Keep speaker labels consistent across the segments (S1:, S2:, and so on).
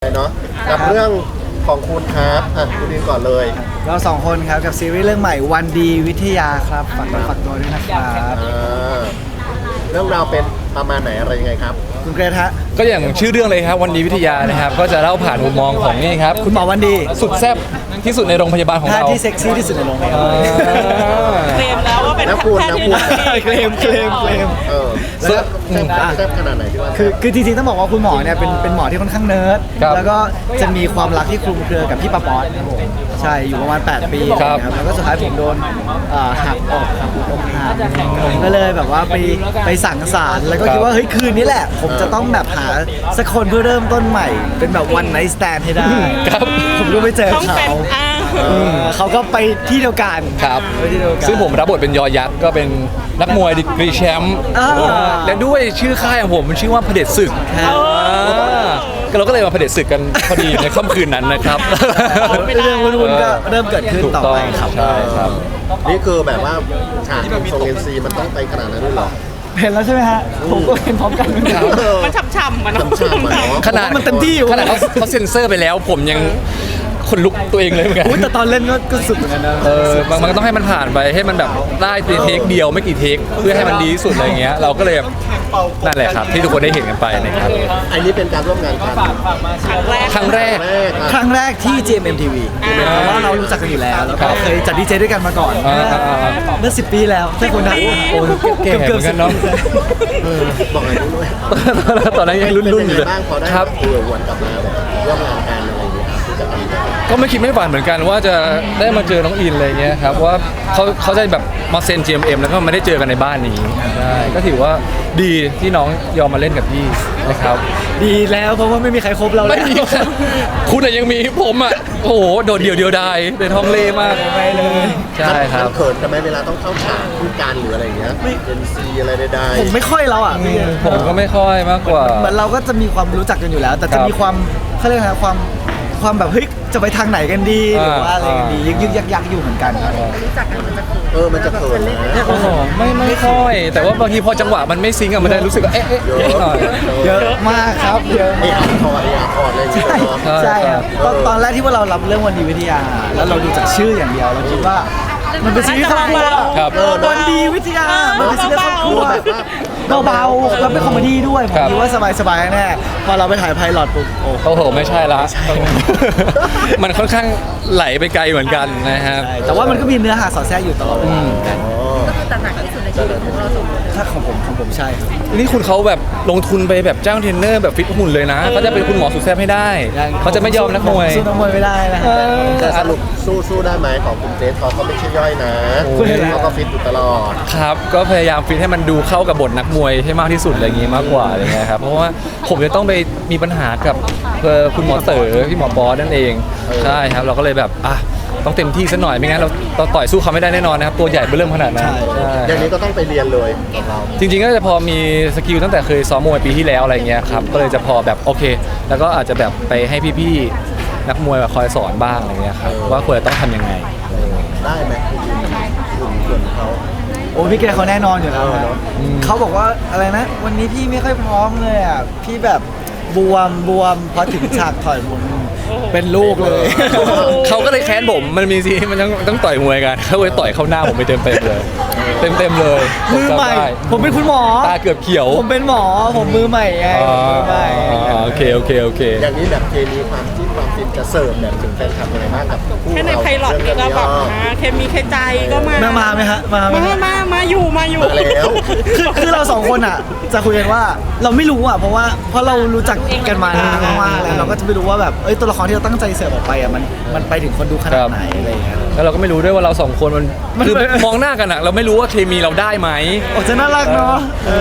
S1: เนาะกับเรื่องของคุณครับคุณดินก่อนเลย
S2: เราสองคนครับกับซีรีส์เรื่องใหม่วันดีวิทยาครับฝากตัวด้วยนะครับ
S1: เรื่องราวเป็นประมาณไหนอะไรยังไงครับ
S2: คุณเกรทฮะ
S3: ก็อย่างชื่อเรื่องเลยครับวันดีวิทยานะครับก็จะเล่าผ่านมุมมองของนี่ครับ
S2: คุณหมอวันดี
S3: สุดแซ่บที่สุดในโรงพยาบาลของเรา
S2: ที่เซ็กซี่ที่สุดในโรงพยาบาล
S4: เคลมแล้วว่าเป็นแพทย์ที่
S2: เคลม
S1: แซ่บขนาดไหนที่ว่า
S2: คือจริงๆต้องบอกว่าคุณหมอเนี่ยเป็นหมอที่ค่อนข้างเนิร์ดแล้วก็จะมีความรักที่คลุมเครือกับพี่ปาป๊อตครับผมใช่อยู่ประมาณ8 ปีครับแล้วก็สุดท้ายผมโดนหักออกครับอกหักผมก็เลยแบบว่าไปสั่งสารแล้วก็คิดว่าเฮ้ยคืนนี้แหละผมจะต้องแบบหาสักคนเพื่อเริ่มต้นใหม่เป็นแบบวันไนท์สแตนให้ได้ผมก็ไปเจอเขาก็ไปที่เดียวกัน
S3: ครับซึ่งผมรับบทเป็นยอยักษ์ก็เป็นนักมวยดีกรีแชมป์และด้วยชื่อค่ายของผมมันชื่อว่าเผด็จศึกเราก็เลยมาเผด็จศึกกันพอดีในค่ำคืนนั้นนะครับ
S2: เรื่องวุ่นๆก็เริ่มเกิดขึ้นต่อไปครับ
S3: ใช่ครับ
S1: นี่คือแบบว่าฉากทรงเอ็นซีมันต้องไปขนาดนั้นด้วยหรอ
S2: เห็นแล้วใช่ไหมฮะผมก็เห็นพร้อมกัน
S4: มันฉ่ำๆมัน
S3: ขนาด
S2: มันเต็มที่อยู่
S3: ขนาดเขาเซ็นเซอร์ไปแล้วผมยังคนลุกตัวเองเลยเหมือนกัน
S2: แต่ตอนเล่นก็สุดเหมือนกันนะ
S3: มันก็ต้องให้มันผ่านไปให้มันแบบได้เทคเดียวไม่กี่เทคเพื่อให้มันดีที่สุดอะไรเงี้ยเราก็เลยนั่นแหละครับที่ทุกคนได้เห็นกันไปนะครับ
S1: อันนี้เป็นการร่วมงานกัน
S3: ครั้ง
S2: แรกที่ GMMTV เพราะว่าเรารู้จักกันอยู่แล้วแล้วก็เคยจัดดีเจด้วยกันมาก่อนเมื่อ10 ปีแล้วใช่คุณนะ
S3: โอ้เก่งเหมือนกันเนาะ
S1: บอกอะไรด้วย
S3: ตอนนั้นยังรุ่นอยู่เลย
S1: ครับวนกลับมาแบบร่วมงานกันอะไรอย่างเงี้ย
S3: ก็ไม่คิดไม่ฝันเหมือนกันว่าจะได้มาเจอน้องอินอะไรเงี้ยครับว่าเขาจะแบบมาเซ็น GMM แล้วก็ไม่ได้เจอกันในบ้านนี้ใช่ก็ถือว่าดีที่น้องยอมมาเล่นกับพี่นะครับ
S2: ดีแล้วเพราะว่าไม่มีใครคบเราแล้ว
S3: คุณยังมีผมอ่ะโอ้โหโดดเดี่ยวดายในท้องเล่มาก
S2: ไปเลย
S3: ใช่ครับ
S1: เขินกันไหมเวลาต้องเข้าฉากพูดการหรืออะไรเงี้ยเอ็นซีอะไรใด
S2: ๆผมไม่ค่อยแล้วอ่ะ
S3: ผมก็ไม่ค่อยมากกว่า
S2: เหมือนเราก็จะมีความรู้จักกันอยู่แล้วแต่จะมีความเขาเรียกอะไรความแบบเฮ้ยจะไปทางไหนกันดีหรือว่าอะไรกันดียึกยักอยู่เหมือนกัน
S4: รู้จักกันมันจะ
S1: มันจะเขิน
S3: ไม่ค่อยแต่ว่าบางทีพอจังหวะมันไม่ซิงก์มันได้รู้สึกว่า
S2: เยอะมากครับเยอะ
S1: คอร์ดเลย
S2: ใช่ครับตอนแรกที่ว่าเรารับเรื่องวันดีวิทยาแล้วเราดูจากชื่ออย่างเดียวเราคิดว่ามันเป็นซีรีส์ครอบครัววันดีวิทยามันเป็นซีรีส์ครอบครัวเบาๆแล้วเป็นคอมเมดี้ด้วยผมคิดว่าสบายๆแน่พอเราไปถ่ายไพลอตปุ๊บ
S3: โอ้โหไม่ใช่ละมันค่อนข้างไหลไปไกลเหมือนกันนะครับ
S2: แต่ว่ามันก็มีเนื้อหาสอดแทรกอยู่ตลอดเวลา
S4: ก็คือตระหนักที่สุดในชีวิตของเราสองคน
S2: ถ้าของผมใช่ครับ
S3: นี่คุณเขาแบบลงทุนไปแบบจ้างเทรนเนอร์แบบฟิตหุ่นเลยนะเขาจะเป็นคุณหมอสุดแซ่บให้ได้เขาจะไม่ยอมนักมวย
S2: สู้นักมวยไม่ได้นะ
S1: แต่สรุปสู้ได้ไหมของคุณเจสเขาไม่ใช่ย่อยนะเขาก็ฟิตอยู่ตลอด
S3: ครับก็พยายามฟิตให้มันดูเข้ากับบทนักมวยให้มากที่สุดอะไรอย่างงี้มากกว่าอะไรเงี้ยครับเพราะว่าผมจะต้องไปมีปัญหากับคุณหมอเต๋อพี่หมอบอสนั่นเองใช่ครับเราก็เลยแบบต้องเต็มที่ซะหน่อยไม่งั้นเราต่อยสู้เขาไม่ได้แน่นอนนะครับตัวใหญ่เบิ่มขนาดนั้น
S1: อย่างนี้ก็ต้องไปเรียนเลย
S3: จริงๆก็จะพอมีสกิลตั้งแต่เคยซ้อมมวยปีที่แล้วอะไรเงี้ยครับก็เลยจะพอแบบโอเคแล้วก็อาจจะแบบไปให้พี่ๆนักมวยคอยสอนบ้างอะไรเงี้ยครับว่าควรจะต้องทำยังไง
S1: ได้ไหมคุณเขา
S2: โอ้พี่เกรเขาแน่นอนอยู่แล้วเขาบอกว่าอะไรนะวันนี้พี่ไม่ค่อยพร้อมเลยอ่ะพี่แบบบวมพอถึงฉากถอยผมเป็นลูกเลย
S3: เขาก็เลยแค้นผมมันมีซีมันต้องต่อยมวยกันเขาเลยต่อยเข้าหน้าผมไปเต็มเลย
S2: มือใหม่ผมเป็นคุณหมอ
S3: ตาเกือบเขียว
S2: ผมเป็นหมอผมมือใหม่ไงมือใหม่
S3: โอเค
S1: อย่างนี้แบบเคมีความฟินจะเสิร์ฟแบบถึงแฟนคลับอะไรบ้างกับ
S4: แค่ในไพลอตนี่ก็แบบเคมีเคใจก็
S2: มาไหมฮะ
S4: มาอยู่
S1: แล้ว
S2: คือเราสองคนอ่ะจะคุยกันว่าเราไม่รู้อ่ะเพราะเรารู้จักกันมานานมากแล้วเราก็จะไม่รู้ว่าแบบตัวละครที่เราตั้งใจเสิร์ฟออกไปอ่ะมันไปถึงคนดูขนาดไหนอะไรอย่างเงี้ย
S3: แล้วเราก็ไม่รู้ด้วยว่าเราสองคนมันคือมองหน้ากันอ่ะเราไม่รู้ว่าเคมีเราได้ไหม
S2: จะน่ารักเนาะ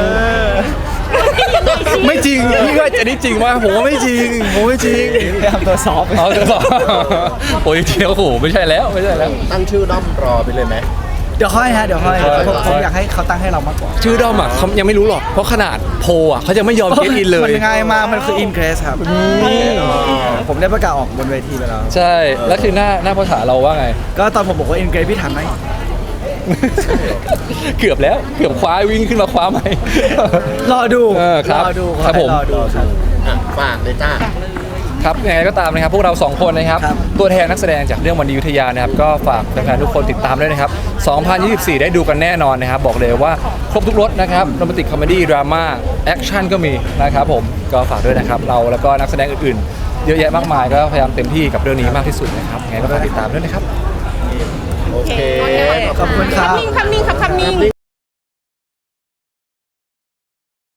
S3: ไม่จริงพี่ก็อันนี้จริงว่าผมว่าไม่จริง
S2: ทำตัวซอฟต์
S3: ตัวซอฟต์โอ้ยเที่ยวโหไม่ใช่แล้ว
S1: ตั้งชื่อด้อมรอไปเลยไหม
S2: เดี๋ยวค่อยผมอยากให้เขาตั้งให้เรามากกว่า
S3: ชื่อด้อมอ่ะเขายังไม่รู้หรอกเพราะขนาดโพอ่ะเขาจะไม่ยอมเกตอินเลย
S2: มันง่ายมากมันคืออินเกรสครับผมได้ประกาศออกบนเวทีไปแล้ว
S3: ใช่แล้วคือหน้าภาษาเราว่าไง
S2: ก็ตอนผมบอกว่าอินเกรสพี่ทันไหม
S3: เกือบคว้าวิ่งขึ้นมาคว้าไหม
S2: รอดู
S3: ครับผม
S1: ฝากเลยจ้า
S3: ครับยังไงก็ตามนะครับพวกเรา2คนนะครับ
S2: ครับ
S3: ตัวแทนนักแสดงจากเรื่องวันดีอยุธยานะครับก็ฝากแฟนๆทุกคนติดตามด้วยนะครับ 2024 ได้ดูกันแน่นอนนะครับ บอกเลยว่าครบทุกรสนะครับโรแมนติกคอมเมดี้ดราม่าแอคชั่นก็มีนะครับผมก็ฝากด้วยนะครับเราแล้วก็นักแสดงอื่นๆ เยอะแยะมากมายก็พยายามเต็มที่กับเรื่องนี้มากที่สุดนะครับยังไงก็ฝากติดตามด้วยนะครับ
S1: โอเค
S2: ขอบคุณครับ
S4: คำนิ่งครับคำนิ่ง